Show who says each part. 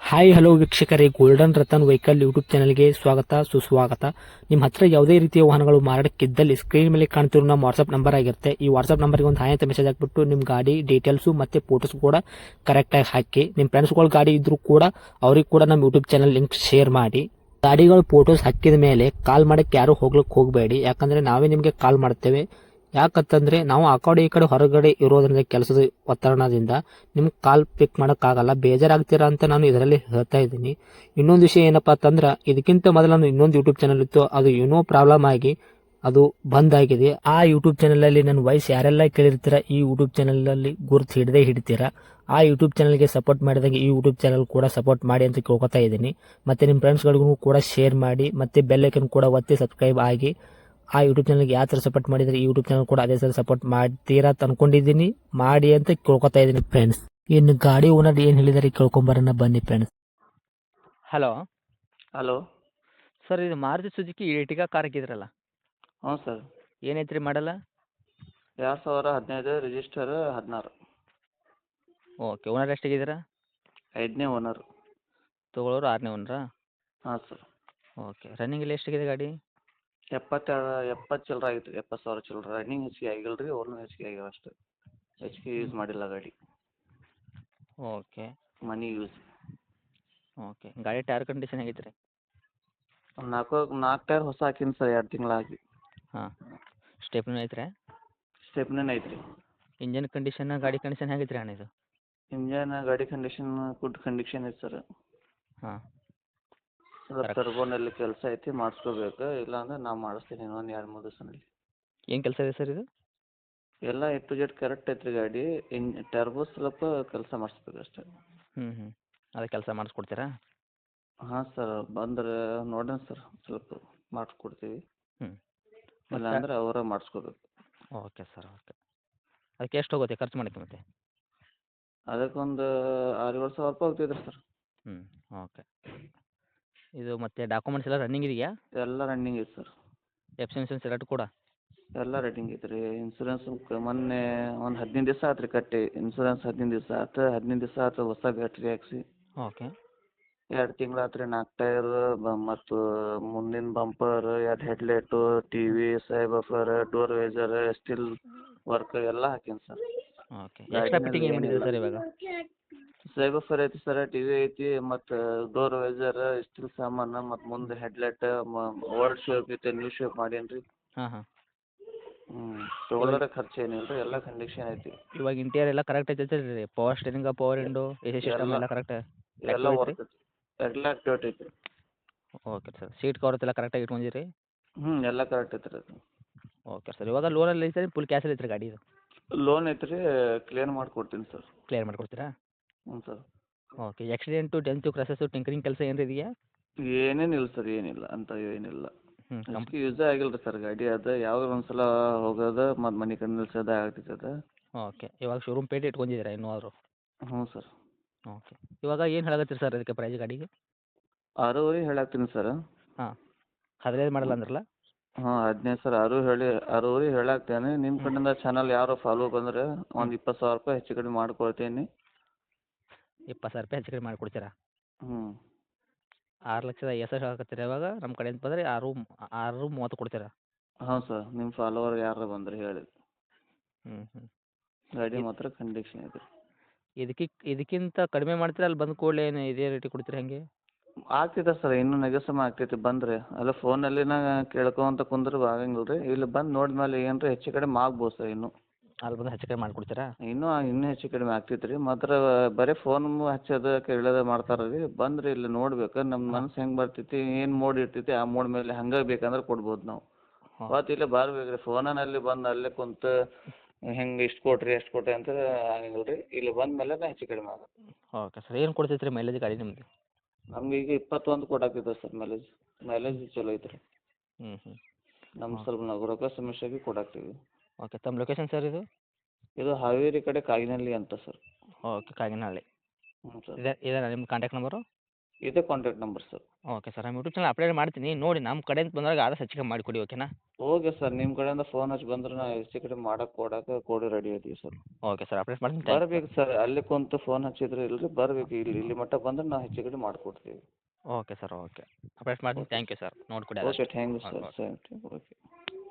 Speaker 1: Hi hello ವೀಕ್ಷಕರೇ, golden Ratan vehicle YouTube ಚಾನಲ್ಗೆ ಸ್ವಾಗತ ಸುಸ್ವಾಗತ. ನಿಮ್ಮ ಹತ್ರ ಯಾವುದೇ ರೀತಿಯ ವಾಹನಗಳು ಮಾರಾಟಕ್ಕಿದ್ದಲ್ಲಿ ಸ್ಕ್ರೀನ್ ಮೇಲೆ ಕಾಣ್ತಿರೋ ನಮ್ಮ ವಾಟ್ಸ್ಆಪ್ ನಂಬರ್ ಆಗಿರುತ್ತೆ. ಈ ವಾಟ್ಸ್ಆಪ್ ನಂಬರ್ಗೆ ಒಂದು ಹಾಯ್ ಅಂತ ಮೆಸೇಜ್ ಹಾಕ್ಬಿಟ್ಟು ನಿಮ್ಮ ಗಾಡಿ ಡೀಟೇಲ್ಸು ಮತ್ತೆ ಫೋಟೋಸ್ ಕೂಡ ಕರೆಕ್ಟಾಗಿ ಹಾಕಿ. ನಿಮ್ಮ ಫ್ರೆಂಡ್ಸ್ಗಳ ಗಾಡಿ ಇದ್ರೂ ಕೂಡ ಅವ್ರಿಗೆ ಕೂಡ ನಮ್ಮ ಯೂಟ್ಯೂಬ್ ಚಾನಲ್ ಲಿಂಕ್ ಶೇರ್ ಮಾಡಿ. ಗಾಡಿಗಳು ಫೋಟೋಸ್ ಹಾಕಿದ ಮೇಲೆ ಕಾಲ್ ಮಾಡಕ್ಕೆ ಯಾರು ಹೋಗ್ಲಿಕ್ಕೆ ಹೋಗಬೇಡಿ, ಯಾಕಂದ್ರೆ ನಾವೇ ನಿಮಗೆ ಕಾಲ್ ಮಾಡ್ತೇವೆ. ಯಾಕಂತಂದ್ರೆ ನಾವು ಆ ಕಡೆ ಈ ಕಡೆ ಹೊರಗಡೆ ಇರೋದ್ರಿಂದ ಕೆಲಸದ ಒತ್ತಡದಿಂದ ನಿಮ್ಗೆ ಕಾಲ್ ಪಿಕ್ ಮಾಡೋಕ್ಕಾಗಲ್ಲ, ಬೇಜಾರಾಗ್ತೀರಾ ಅಂತ ನಾನು ಇದರಲ್ಲಿ ಹೇಳ್ತಾ ಇದ್ದೀನಿ. ಇನ್ನೊಂದು ವಿಷಯ ಏನಪ್ಪಾ ಅಂತಂದ್ರೆ, ಇದಕ್ಕಿಂತ ಮೊದಲು ನಾನು ಇನ್ನೊಂದು ಯೂಟ್ಯೂಬ್ ಚಾನಲ್ ಇತ್ತು, ಅದು ಏನೋ ಪ್ರಾಬ್ಲಮ್ ಆಗಿ ಅದು ಬಂದ್ ಆಗಿದೆ. ಆ ಯೂಟ್ಯೂಬ್ ಚಾನಲ್ ಅಲ್ಲಿ ನನ್ನ ವಾಯ್ಸ್ ಯಾರೆಲ್ಲ ಕೇಳಿರ್ತೀರಾ, ಈ ಯೂಟ್ಯೂಬ್ ಚಾನಲ್ ಅಲ್ಲಿ ಗುರುತು ಹಿಡದೇ ಹಿಡಿತೀರಾ. ಆ ಯೂಟ್ಯೂಬ್ ಚಾನಲ್ಗೆ ಸಪೋರ್ಟ್ ಮಾಡಿದಾಗ ಈ ಯೂಟ್ಯೂಬ್ ಚಾನಲ್ ಕೂಡ ಸಪೋರ್ಟ್ ಮಾಡಿ ಅಂತ ಕೇಳ್ಕೊತಾ ಇದ್ದೀನಿ. ಮತ್ತೆ ನಿಮ್ಮ ಫ್ರೆಂಡ್ಸ್ಗಳಿಗೂ ಕೂಡ ಶೇರ್ ಮಾಡಿ, ಮತ್ತೆ ಬೆಲ್ ಐಕನ್ ಕೂಡ ಒತ್ತಿ ಸಬ್ಸ್ಕ್ರೈಬ್ ಆಗಿ. ಆ ಯೂಟ್ಯೂಬ್ ಚಾನಲ್ಗೆ ಯಾವ ಥರ ಸಪೋರ್ಟ್ ಮಾಡಿದರೆ ಈ ಯೂಟ್ಯೂಬ್ ಚಾನಲ್ ಕೂಡ ಅದೇ ಥರ ಸಪೋರ್ಟ್ ಮಾಡ್ತೀರಾ ಅಂತ ಅನ್ಕೊಂಡಿದ್ದೀನಿ. ಮಾಡಿ ಅಂತ ಕೇಳ್ಕೊತಾ ಇದ್ದೀನಿ ಫ್ರೆಂಡ್ಸ್. ಇನ್ನು ಗಾಡಿ ಓನರ್ ಏನು ಹೇಳಿದಾರೆ ಕೇಳ್ಕೊಂಬರೋಣ ಬನ್ನಿ ಫ್ರೆಂಡ್ಸ್.
Speaker 2: Hello
Speaker 3: hello.
Speaker 2: ಸರ್, ಇದು ಮಾರುತಿ ಸುಜುಕಿ ಎರ್ಟಿಗಾ ಕಾರ್ ಹಾಕಿದ್ರಲ್ಲ,
Speaker 3: ಹ್ಞೂ ಸರ್.
Speaker 2: ಏನೈತ್ರಿ ಮಾಡಲ್ಲ?
Speaker 3: 2015 ರಿಜಿಸ್ಟರ್ 16.
Speaker 2: Okay, owner ಎಷ್ಟಾಗಿದ್ದೀರಾ?
Speaker 3: 5ನೇ ಓನರು.
Speaker 2: ತೊಗೊಳೋರು 6ನೇ ಓನರಾ?
Speaker 3: ಹಾಂ ಸರ್.
Speaker 2: ಓಕೆ, ರನ್ನಿಂಗ್ ಎಲ್ಲ ಎಷ್ಟಾಗಿದೆ ಗಾಡಿ?
Speaker 3: 70 ಚಿಲ್ಲರೆ ಆಗಿತ್ತು ರೀ, 70,000 ಚಿಲ್ಲರೆ. ರನ್ನಿಂಗ್ ಹೆಚ್ಚಿಗೆ ಆಗಿಲ್ಲ ರೀ, ಓನರ್ ಹೆಚ್ಚಿಗೆ ಆಗ್ಯಾವ ಅಷ್ಟೇ. ಹೆಚ್ಚಿಗೆ ಯೂಸ್ ಮಾಡಿಲ್ಲ ಗಾಡಿ,
Speaker 2: ಓಕೆ
Speaker 3: ಮನಿ ಯೂಸ್.
Speaker 2: ಓಕೆ, ಗಾಡಿ ಟೈರ್ ಕಂಡೀಷನ್ ಆಗೈತೆ ರೀ?
Speaker 3: ಒಂದು ನಾಲ್ಕು ಟೈರ್ ಹೊಸ ಹಾಕೀನಿ ಸರ್, 2 ತಿಂಗಳಾಗಿ.
Speaker 2: ಹಾಂ, ಸ್ಟೆಪ್ನೂ ಐತ್ರಿ?
Speaker 3: ಸ್ಟೆಪ್ನೇನು ಐತ್ರಿ.
Speaker 2: ಇಂಜನ್ ಕಂಡೀಷನ್, ಗಾಡಿ ಕಂಡೀಷನ್ ಹೇಗೈತೆ ರೀ ಅಣ್ಣ ಇದು?
Speaker 3: ಇಂಜನ್ ಗಾಡಿ ಕಂಡೀಷನ್ ಗುಡ್ ಕಂಡೀಷನ್ ಐತೆ ಸರ್.
Speaker 2: ಹಾಂ,
Speaker 3: ಸ್ವಲ್ಪ ಟರ್ಬೋನಲ್ಲಿ ಕೆಲಸ ಐತಿ, ಮಾಡಿಸ್ಕೋಬೇಕು. ಇಲ್ಲಾಂದ್ರೆ ನಾ ಮಾಡಿಸ್ತೀನಿ ಇನ್ನೊಂದು 2-3 ದಿವಸದಲ್ಲಿ.
Speaker 2: ಏನು ಕೆಲಸ ಇದೆ ಸರ್ ಇದು?
Speaker 3: ಎಲ್ಲ ಎ ಟು ಜೆಡ್ ಕರೆಕ್ಟ್ ಐತ್ರಿ ಗಾಡಿ. ಟರ್ಬೋ ಸ್ವಲ್ಪ ಕೆಲಸ ಮಾಡಿಸ್ಬೇಕು ಅಷ್ಟೇ.
Speaker 2: ಹ್ಞೂ, ಅದೇ ಕೆಲಸ ಮಾಡಿಸ್ಕೊಡ್ತೀರಾ?
Speaker 3: ಹಾಂ ಸರ್, ಬಂದ್ರೆ ನೋಡೋಣ ಸರ್, ಸ್ವಲ್ಪ ಮಾಡಿಸ್ಕೊಡ್ತೀವಿ.
Speaker 2: ಹ್ಞೂ,
Speaker 3: ಇಲ್ಲಾಂದ್ರೆ ಅವರೇ ಮಾಡಿಸ್ಕೋಬೇಕು.
Speaker 2: Okay sir, okay. ಅದಕ್ಕೆ ಎಷ್ಟು ಹೋಗುತ್ತೆ ಖರ್ಚು ಮಾಡೋಕ್ಕೆ ಮತ್ತೆ?
Speaker 3: ಅದಕ್ಕೊಂದು 6-7 ಸಾವಿರ ರೂಪಾಯಿ ಹೋಗ್ತೈತೆ ಸರ್.
Speaker 2: ಹ್ಞೂ, ಓಕೆ. ಇದು ಮತ್ತೆ ಡಾಕ್ಯುಮೆಂಟ್ಸ್ ಎಲ್ಲ ರನ್ನಿಂಗ್ ಇದೆಯಾ?
Speaker 3: ಎಲ್ಲ ರನ್ನಿಂಗ್ ಐತೆ ಸರ್.
Speaker 2: ಎಫ್ ಸಿ ಇನ್ಸೂರೆನ್ಸ್ ಎರಡು ಕೂಡ?
Speaker 3: ಎಲ್ಲ ರನ್ನಿಂಗ್ ಐತೆ ರೀ. ಇನ್ಸೂರೆನ್ಸ್ ಮೊನ್ನೆ ಒಂದು 15 ದಿವಸ ಆಯ್ತು ರೀ ಕಟ್ಟಿ. ಇನ್ಸೂರೆನ್ಸ್ 15 ದಿವಸ ಆಯ್ತು. 15 ದಿವಸ ಆಯ್ತು ಹೊಸ ಬ್ಯಾಟ್ರಿ ಹಾಕ್ಸಿ.
Speaker 2: ಓಕೆ.
Speaker 3: 2 ತಿಂಗಳು ಆಯ್ತು ರೀ. 4 ಟೈರ್ ಮತ್ತು ಮುಂದಿನ bumper, 2 headlight, T V, subwoofer, door visor, steel work ಎಲ್ಲ ಹಾಕೀನಿ ಸರ್.
Speaker 2: ಓಕೆ, ಎಕ್ಸ್ಟ್ರಾ ಫಿಟ್ಟಿಂಗ್ ಏನು ಮಾಡಿದ್ದೀರಾ ಸರ್ ಇವಾಗ?
Speaker 3: ಸೈಬಫರ್ ಐತಿ ಸರ್, ಟಿ ವಿ ಐತಿ, ಮತ್ತು ಡೋರ್ ವೈಸರ್, ಸ್ಟಿಲ್ ಸಾಮಾನು, ಮತ್ತು ಮುಂದೆ ಹೆಡ್ಲೈಟ್ ಓಲ್ಡ್ ಶೇಪ್ ಐತೆ, ನ್ಯೂ ಶೇಪ್ ಮಾಡೀನಿ ರೀ.
Speaker 2: ಹಾಂ ಹಾಂ.
Speaker 3: ತೊಗೊಳೋರೆ ಖರ್ಚು ಏನಿಲ್ಲ ರೀ, ಎಲ್ಲ ಕಂಡೀಷನ್ ಐತಿ.
Speaker 2: ಇವಾಗ ಇಂಟೀರಿಯರ್ ಎಲ್ಲ ಕರೆಕ್ಟ್ ಐತೆ ರೀ? Power steering, power window, A C system ಎಲ್ಲ ಕರೆಕ್ಟ್
Speaker 3: ಎಲ್ಲ
Speaker 2: ಐತ್ರಿ?
Speaker 3: ವರ್ಕ್ ಐತಿ, ಎಲ್ಲ ಆಕ್ಟಿವೇಟ್ ಐತಿ.
Speaker 2: ಓಕೆ ಸರ್, ಸೀಟ್ ಕವರ್ ಎಲ್ಲ ಕರೆಕ್ಟಾಗಿ ಇಟ್ಕೊಂಡಿರಿ?
Speaker 3: ಎಲ್ಲ ಕರೆಕ್ಟ್ ಐತಿ ರೀ ಅದು.
Speaker 2: ಓಕೆ ಸರ್, ಇವಾಗ ಲೋನಲ್ಲಿ ಐತೆ ಫುಲ್ ಕ್ಯಾಶಲ್ಲಿ ಐತ್ರಿ ಗಾಡಿ ಇದು?
Speaker 3: ಲೋನ್ ಐತಿ ರೀ, ಕ್ಲಿಯರ್ ಮಾಡಿಕೊಡ್ತೀನಿ ಸರ್.
Speaker 2: ಕ್ಲಿಯರ್ ಮಾಡಿಕೊಡ್ತೀರಾ?
Speaker 3: ಹ್ಞೂ ಸರ್.
Speaker 2: ಓಕೆ, ಆಕ್ಸಿಡೆಂಟು, ಡೆಂತು, ಕ್ರಸಸ್ಸು, ಟಿಂಕರಿಂಗ್ ಕೆಲಸ ಏನಾರು ಇದೆಯಾ?
Speaker 3: ಏನೇನಿಲ್ಲ ಸರ್, ಏನಿಲ್ಲ ಅಂತ ಏನಿಲ್ಲ.
Speaker 2: ಹ್ಞೂ,
Speaker 3: ಅಷ್ಟಕ್ಕೆ ಯೂಸೇ ಆಗಿಲ್ಲ ರೀ ಸರ್ ಗಾಡಿ. ಅದು ಯಾವಾಗ ಒಂದು ಸಲ ಹೋಗೋದು ಮತ್ತು ಮನೆ ಕಡೆ ನಿಲ್ಸೋದು ಆಗ್ತೈತೆ ಅದು.
Speaker 2: ಓಕೆ, ಇವಾಗ ಶೋರೂಮ್ ಪೇಟೆ ಇಟ್ಕೊಂಡಿದ್ದೀರಾ ಇನ್ನೂ ಆದರೂ?
Speaker 3: ಹ್ಞೂ ಸರ್.
Speaker 2: ಓಕೆ, ಇವಾಗ ಏನು ಹೇಳಕತ್ತೀರಿ ಸರ್ ಅದಕ್ಕೆ ಪ್ರೈಸ್ ಗಾಡಿಗೆ?
Speaker 3: 6.5 ಹೇಳಾಕ್ತೀನಿ ಸರ್.
Speaker 2: ಹಾಂ, 15 ಮಾಡಲ್ಲ ಅಂದ್ರಲ್ಲ?
Speaker 3: ಹಾಂ, 15 ಸರ್. 6.5 ಹೇಳಾಕ್ತೇನೆ. ನಿಮ್ಮ ಕಡೆಯಿಂದ ಚಾನಲ್ ಯಾರು ಫಾಲೋ ಬಂದರೆ ಒಂದು 20,000 ರೂಪಾಯಿ ಹೆಚ್ಚು ಕಡಿಮೆ ಮಾಡ್ಕೊಳ್ತೀನಿ.
Speaker 2: 20,000 ರೂಪಾಯಿ ಹೆಚ್ಚು ಕಡಿಮೆ ಮಾಡಿಕೊಡ್ತೀರಾ?
Speaker 3: ಹ್ಞೂ.
Speaker 2: 6,50,000 ಹೇಳಕತ್ತೀರಿ. ಇವಾಗ ನಮ್ಮ ಕಡೆಯಿಂದ ಬಂದರೆ 6.30 ಕೊಡ್ತೀರಾ?
Speaker 3: ಹಾಂ ಸರ್, ನಿಮ್ಮ ಫಾಲೋವರ್ ಯಾರು ಬಂದರೆ ಹೇಳಿ.
Speaker 2: ಹ್ಞೂ.
Speaker 3: ಗಾಡಿ ಮಾತ್ರ ಕಂಡೀಷನ್ ಐತೆ ರೀ.
Speaker 2: ಇದಕ್ಕಿಂತ ಕಡಿಮೆ ಮಾಡ್ತೀರಾ ಅಲ್ಲಿ ಬಂದ ಕೂಡಲೇ ಏನು ಇದೇ ರೇಟಿಗೆ ಕೊಡ್ತೀರಾ ಹೇಗೆ?
Speaker 3: ಆಗ್ತೈತೆ ಸರ್, ಇನ್ನೂ ನೆಗೆಸಮ್ ಆಗ್ತೈತಿ ಬಂದರೆ. ಅಲ್ಲ ಫೋನಲ್ಲಿನ ಕೇಳ್ಕೊಂತ ಕುಂದ್ರೆ ಆಗಂಗಿಲ್ಲ ರೀ. ಇಲ್ಲಿ ಬಂದು ನೋಡಿದ್ಮೇಲೆ ಏನರ ಹೆಚ್ಚು ಕಡಿಮೆ ಆಗ್ಬೋದು ಸರ್ ಇನ್ನೂ.
Speaker 2: ಅಲ್ಲಿ ಬಂದು ಹೆಚ್ಚು ಕಡಿಮೆ ಮಾಡಿಕೊಡ್ತೀರಾ?
Speaker 3: ಇನ್ನೂ ಹೆಚ್ಚು ಕಡಿಮೆ ಆಗ್ತೈತೆ ರೀ. ಮಾತ್ರ ಬರೀ ಫೋನ್ ಹಚ್ಚೋದು ಕೇಳೋದು ಮಾಡ್ತಾರೆ ರೀ. ಬಂದ್ರೆ ಇಲ್ಲಿ ನೋಡ್ಬೇಕು, ನಮ್ಮ ಮನ್ಸು ಹೆಂಗೆ ಬರ್ತೈತಿ, ಏನು ಮೋಡ್ ಇರ್ತೈತಿ, ಆ ಮೋಡ್ ಮೇಲೆ ಹಂಗೆ ಬೇಕಂದ್ರೆ ಕೊಡ್ಬೋದು ನಾವು.
Speaker 2: ಹಾಂ.
Speaker 3: ಮತ್ತು ಇಲ್ಲೇ ಬರ್ಬೇಕು ರೀ, ಫೋನಲ್ಲಿ ಬಂದು ಅಲ್ಲೇ ಕುಂತು ಹೆಂಗೆ ಇಷ್ಟು ಕೊಟ್ರಿ ಎಷ್ಟು ಕೊಟ್ರಿ ಅಂತ ಆಗಂಗಿಲ್ಲ ರೀ. ಇಲ್ಲಿ ಬಂದ ಮೇಲೆ ಹೆಚ್ಚು ಕಡಿಮೆ ಆಗುತ್ತೆ.
Speaker 2: ಓಕೆ ಸರ್, ಏನು ಕೊಡ್ತೈತೆ ರೀ ಮೈಲೇಜ್ ಗಾಡಿ ನಿಮ್ಮದು?
Speaker 3: ನಮ್ಗೆ ಈಗ 21 ಕೊಡಾಕೈತೆ ಸರ್ ಮೈಲೇಜ್ ಚಲೋ ಐತೆ ರೀ.
Speaker 2: ಹ್ಞೂ.
Speaker 3: ನಮ್ಮ ಸ್ವಲ್ಪ ನಾವು ರೊಕ್ಕ ಸಮಸ್ಯೆಗೆ ಕೊಡಾಕ್ತೀವಿ.
Speaker 2: ಓಕೆ, ತಮ್ಮ ಲೊಕೇಶನ್ ಸರ್ ಇದು?
Speaker 3: ಇದು ಹಾವೇರಿ ಕಡೆ ಕಾಗಿನಹಳ್ಳಿ ಅಂತ ಸರ್.
Speaker 2: ಓಕೆ, ಕಾಗಿನಹಳ್ಳಿ.
Speaker 3: ಹ್ಞೂ ಸರ್.
Speaker 2: ಇದೇನಾ ನಿಮ್ಮ ಕಾಂಟ್ಯಾಕ್ಟ್ ನಂಬರು?
Speaker 3: ಇದೇ contact number sir.
Speaker 2: Okay sir ನಮ್ಮ ಯೂಟ್ಯೂಬ್ ಚಾನಲ್ ಅಪ್ಡೇಟ್ ಮಾಡ್ತೀನಿ ನೋಡಿ ನಮ್ಮ ಕಡೆಯಿಂದ ಬಂದಾಗ ಆದಷ್ಟು ಹೆಚ್ಚು ಕಮ್ಮಿ ಮಾಡಿಕೊಡಿ ಓಕೆನಾ.
Speaker 3: ಓಕೆ ಸರ್, ನಿಮ್ಮ ಕಡೆಯಿಂದ ಫೋನ್ ಹಚ್ಚಿ ಬಂದ್ರೆ ನಾವು ಹೆಚ್ಚು ಕಡಿಮೆ ಕೊಡಕ್ಕೆ ಕೂಡಿ ರೆಡಿ ಇದೀವಿ ಸರ್.
Speaker 2: ಓಕೆ ಸರ್ ಅಪ್ಡೇಟ್ ಮಾಡ್ತೀನಿ ಥ್ಯಾಂಕ್ ಯು.
Speaker 3: ಬರ್ಬೇಕು ಸರ್, ಅಲ್ಲಿ ಕುಂತು ಫೋನ್ ಹಚ್ಚಿದ್ರೆ ಇಲ್ರಿ, ಬರ್ಬೇಕು ಇಲ್ಲಿ ಮಟ್ಟ ಬಂದ್ರೆ ನಾವು ಹೆಚ್ಚು ಕಡಿಮೆ ಮಾಡಿಕೊಡ್ತೀವಿ.
Speaker 2: ಓಕೆ ಸರ್ ಓಕೆ ಅಪ್ಡೇಟ್ ಮಾಡ್ತೀನಿ ಥ್ಯಾಂಕ್ ಯು ಸರ್ ನೋಡಿಕೊಡಿ
Speaker 3: okay, thank you sir. Okay.